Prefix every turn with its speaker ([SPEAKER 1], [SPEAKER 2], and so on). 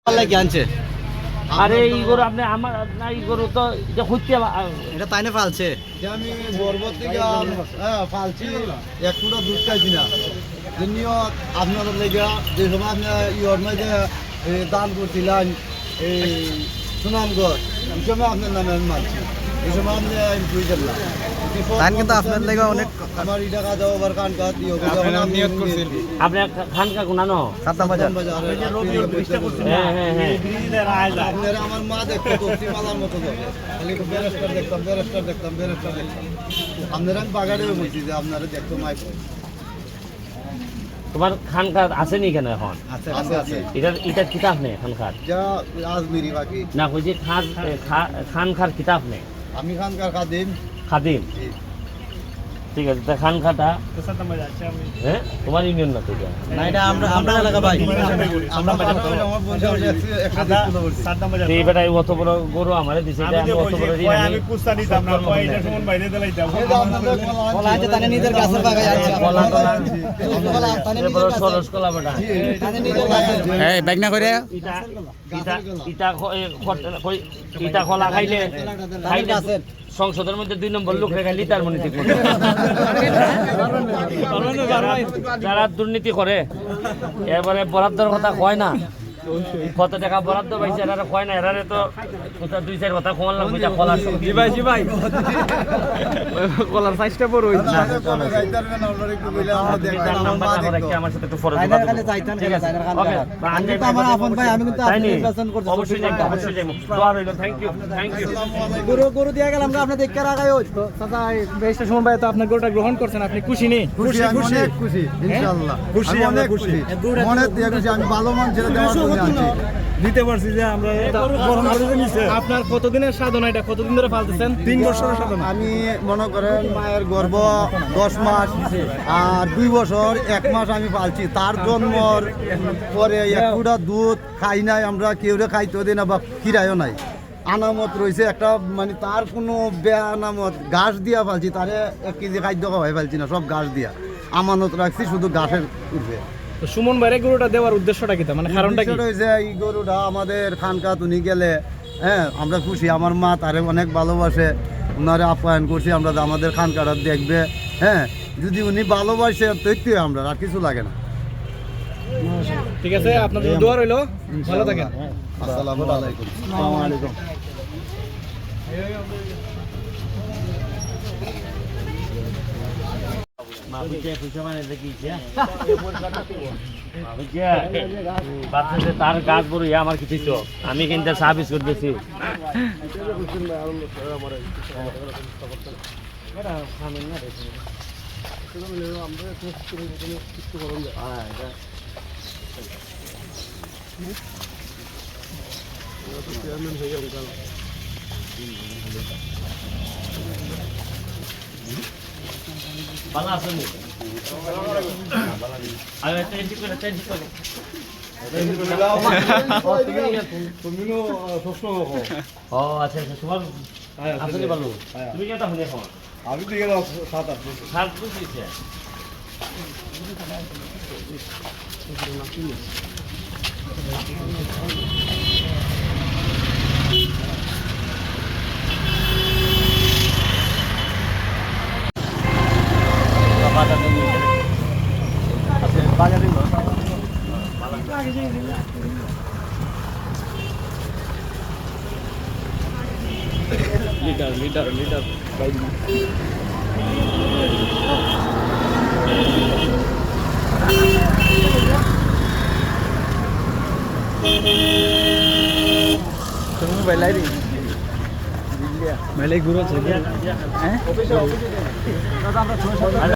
[SPEAKER 1] কি আনছে?
[SPEAKER 2] আরে এই গরু আপনি আমার না, এই গরু তো এটা খুঁজতে
[SPEAKER 1] এটা তাই না ফালছে?
[SPEAKER 3] আমি বরবত থেকে ফালছি এক ফুটা দুধ খাইছি না যেমনিও আপনাদের লেগে যে সময় আপনি ইয়র মধ্যে দান করছিলেন এই সুনামগড় এই সময় আপনার নামে আমি মানছি এই সময় আপনি আমি বুঝতে পারলাম
[SPEAKER 1] তাই কিন্তু আপনার লেগে অনেক
[SPEAKER 3] আমার ইটা কাজ ওভার কান কাজ নিয়ত করছেন
[SPEAKER 2] আপনি খানকা গুনানো
[SPEAKER 1] সাতটা বাজার
[SPEAKER 2] হ্যাঁ
[SPEAKER 3] আপনারা আমার মা দেখতো তসি মালার মতো যাবে খালি ব্যারিস্টার দেখতাম আপনারা আমি বাগানেও বলছি যে আপনারা দেখতো মাইক
[SPEAKER 2] তোমার খানকার আছে নি কেন এখন?
[SPEAKER 3] আছে
[SPEAKER 2] এটার কিতাব নেই খানকার
[SPEAKER 3] যা আজমিরি বাকি
[SPEAKER 2] না, কইছি খানকার কিতাব নেই,
[SPEAKER 3] আমি খানকার খাদিম
[SPEAKER 2] খাদিম। ঠিক আছে, তা খানকাটা হ্যাঁ তোমার ইউনিয়ন না তো এটা?
[SPEAKER 1] না, এটা আমরা এলাকা ভাই। আমরা
[SPEAKER 2] তো এই বেটা অত বড় গরু আমারে দিছে, এটা আমি অত বড় ঋণ আমি
[SPEAKER 1] বলা আছে তানে নিজের গাছের বাগায় আছে।
[SPEAKER 2] কলা টলা
[SPEAKER 1] তানে
[SPEAKER 2] এ বড় সরস কলা বেটা
[SPEAKER 1] তানে নিজের গাছের। এই ব্যাগ না করে
[SPEAKER 2] ইটা কলা খাইলে সংসদের মধ্যে 2 নম্বর লোক রেখে লিটার মনে ঠিক মতো। যারা দুর্নীতি করে এবারে বরাদ্দর কথা কয় না, কত টাকা বরাদ্দ পাইছে এরা কয় না, এরারে তো 2-4 কথা কমান লাগবে। যা কলার জি ভাই কলার সাইজটা বড় হইছে না। আমার সাথে একটু ফরজ কথা বলুন। ঠিক আছে, ওকে
[SPEAKER 1] আমি তো আমার আপন ভাই, আমি কিন্তু আপনাকে নির্বাচন করতে
[SPEAKER 2] অবশ্যই যাই, অবশ্যই যাই। দোয়া রইল। Thank you.
[SPEAKER 1] গরু দিয়ে গেলাম আমরা দেখতে রাখাই ওই তো চাচা বেশটা সময় ভাই তো আপনার গরুটা গ্রহণ করছেন, আপনি খুশি নেই?
[SPEAKER 3] খুশি অনেক খুশি ইনশাআল্লাহ খুশি অনেক খুশি মনে দিয়ে খুশি আমি ভালো মান ছেড়ে দেওয়ার জন্য আছি
[SPEAKER 4] দিতে পারছি যে আমরা গ্রহণ করে নিছে।
[SPEAKER 1] আপনার কতদিনের সাধনা, এটা কতদিন ধরে পালতেছেন?
[SPEAKER 4] 3 বছরের সাধনা।
[SPEAKER 3] আমি মনে করেন মায়ের গর্ভ 10 মাস আর 2 বছর 1 মাস আমি পালছি। তার জন্মর পরে এক ফুটা দুধ খাই নাই আমরা, কেউরে খাইতেও দিই না বা খিরাইও নাই। আনামত রয়েছে একটা, মানে তার কোনো আনামত ঘাস দিয়া পালছি, তারে 1 কেজি খাদ্য খাওয়াই পালছি না, সব ঘাস দিয়া আমানত রাখছি শুধু ঘাসের উঠবে।
[SPEAKER 1] তো সুমন ভাইরে গরুটা দেওয়ার উদ্দেশ্যটা কি, মানে কারণটা কি?
[SPEAKER 3] হয়েছে এই গরুটা আমাদের খানকা তুনি গেলে হ্যাঁ আমরা খুশি, আমার মা তারে অনেক ভালোবাসে, ওনারে আপ্যায়ন করছি আমরা যে আমাদের খানকাটা দেখবে। হ্যাঁ, যদি উনি ভালোবাসে তৈরি আমরা আর কিছু লাগে না।
[SPEAKER 1] ঠিক আছে, আপনাদের দোয়া রইল, ভালো থাকেন।
[SPEAKER 3] আসসালামু আলাইকুম।
[SPEAKER 1] আসসালামু আলাইকুম।
[SPEAKER 2] তার গাছ বড় আমার কিছু তো আমি কিন্তু চা বিস্কুট দিছি। ভালো আছেন?
[SPEAKER 3] আমি দিকে 7-8
[SPEAKER 2] লিটার
[SPEAKER 1] মেলে ঘুরেছে হ্যাঁ।